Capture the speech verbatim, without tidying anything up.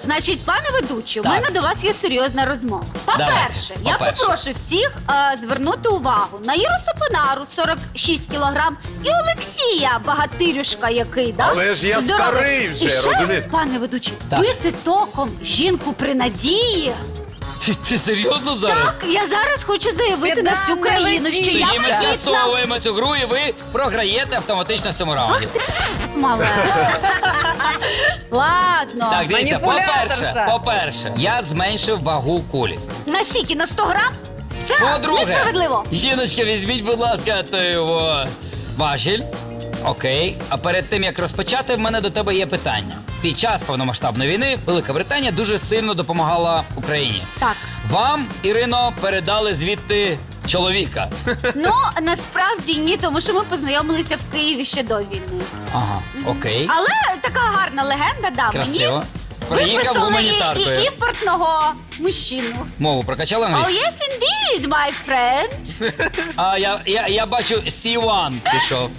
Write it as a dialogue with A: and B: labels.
A: Значить, пане ведучий, у
B: Так.
A: мене до вас є серйозна розмова. По-перше,
B: Давайте.
A: я
B: По-перше.
A: попрошу всіх е, звернути увагу на Іру Сапонару, сорок шість кілограм, і Олексія, багатирюшка який, да?
C: Але ж я
A: Здоровий.
C: старий вже,
A: І ще,
C: розумієте?
A: пане ведучий,
B: Так.
A: бити током жінку при надії.
B: Ти, ти серйозно зараз?
A: Так, я зараз хочу заявити на всю
D: не
A: країну, що
D: ведіться.
A: я
B: Тоді ми
A: вагітна.
B: скасовуємо цю гру і ви програєте автоматично в цьому раунді.
A: Мале. Ладно.
B: Так, дивіться, по-перше,
D: Маніпуляторша.
B: по-перше, я зменшив вагу кулі.
A: На сіки на сто грам? Це
B: По-друге,
A: несправедливо.
B: жіночка, візьміть, будь ласка, той його важіль. Окей. А перед тим, як розпочати, в мене до тебе є питання. Під час повномасштабної війни Велика Британія дуже сильно допомагала Україні.
A: Так.
B: Вам, Ірино, передали звідти чоловіка.
A: Ну, насправді ні, тому що ми познайомилися в Києві ще до війни.
B: Ага, окей.
A: Але така гарна легенда, да,
B: Красиво.
A: мені
B: Приїхав
A: виписали і,
B: гуманітаркою.
A: і імпортного мужчину.
B: Мову прокачали
A: Oh,
B: англійську?
A: yes, indeed, my friend.
B: А я, я, я бачу, сі один пішов.